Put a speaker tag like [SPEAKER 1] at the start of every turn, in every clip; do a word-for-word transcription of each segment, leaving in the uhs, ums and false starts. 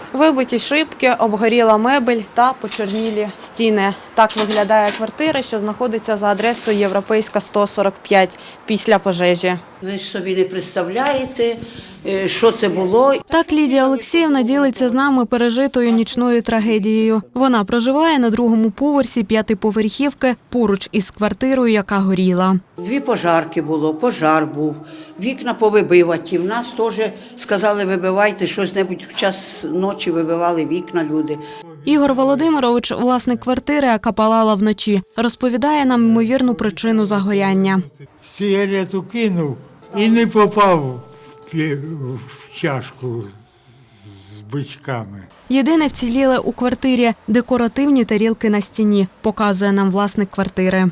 [SPEAKER 1] Вибиті шибки, обгоріла мебель та почорнілі стіни. Так виглядає квартира, що знаходиться за адресою Європейська, сто сорок п'ять, після пожежі.
[SPEAKER 2] Ви ж собі не представляєте, що це було.
[SPEAKER 1] Так Лідія Олексіївна ділиться з нами пережитою нічною трагедією. Вона проживає на другому поверсі п'ятиповерхівки поруч із квартирою, яка горіла.
[SPEAKER 2] Дві пожарки було, пожар був, вікна повибиваті. В нас теж сказали, вибивайте щось-небудь, в час ночі вибивали вікна люди.
[SPEAKER 1] Ігор Володимирович, власник квартири, яка палала вночі, розповідає нам ймовірну причину загоряння.
[SPEAKER 3] Сигарету кинув і не попав в чашку з бичками.
[SPEAKER 1] Єдине вціліле у квартирі – декоративні тарілки на стіні, показує нам власник квартири.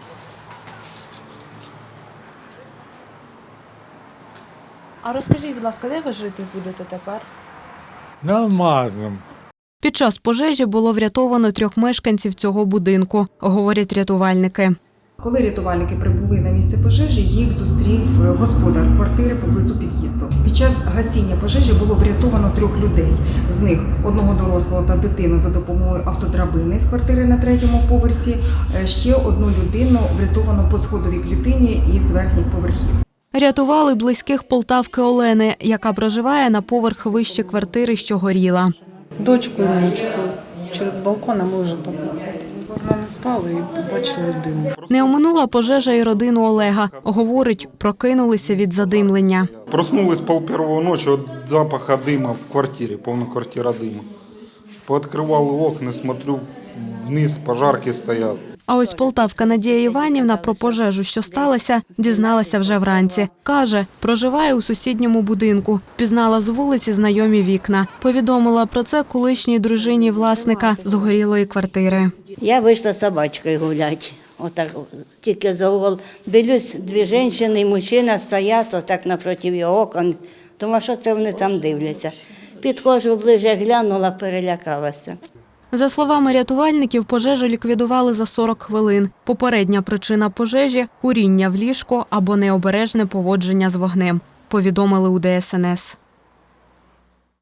[SPEAKER 1] А розкажіть, будь ласка, де ви жити будете тепер?
[SPEAKER 3] На Марному.
[SPEAKER 1] Під час пожежі було врятовано трьох мешканців цього будинку, говорять рятувальники.
[SPEAKER 4] Коли рятувальники прибули на місце пожежі, їх зустрів господар квартири поблизу під'їзду. Під час гасіння пожежі було врятовано трьох людей. З них одного дорослого та дитину за допомогою автодрабини з квартири на третьому поверсі. Ще одну людину врятовано по сходовій клітині із верхніх поверхів.
[SPEAKER 1] Рятували близьких Полтавки Олени, яка проживає на поверх вище квартири, що горіла.
[SPEAKER 5] Дочку і внучку через балкон, а ми вже там не спали і побачили дим.
[SPEAKER 1] Не оминула пожежа і родину Олега. Говорить, прокинулися від задимлення.
[SPEAKER 6] Проснулись пол первого ночі від запаху диму в квартирі, повна квартира диму. Пооткривали окна, смотрю, вниз пожарки стоять.
[SPEAKER 1] А ось полтавка Надія Іванівна про пожежу, що сталося, дізналася вже вранці. Каже, проживає у сусідньому будинку. Пізнала з вулиці знайомі вікна. Повідомила про це колишній дружині власника згорілої квартири.
[SPEAKER 7] Я вийшла з собачкою гуляти. Отак, тільки за угол. Дивлюсь, дві жінки і мужчина стоять отак напроти його окон. Думаю, що це вони там дивляться. Підходжу ближче, глянула, перелякалася.
[SPEAKER 1] За словами рятувальників, пожежу ліквідували за сорок хвилин. Попередня причина пожежі – куріння в ліжку або необережне поводження з вогнем, повідомили у Де Ес Ен Ес.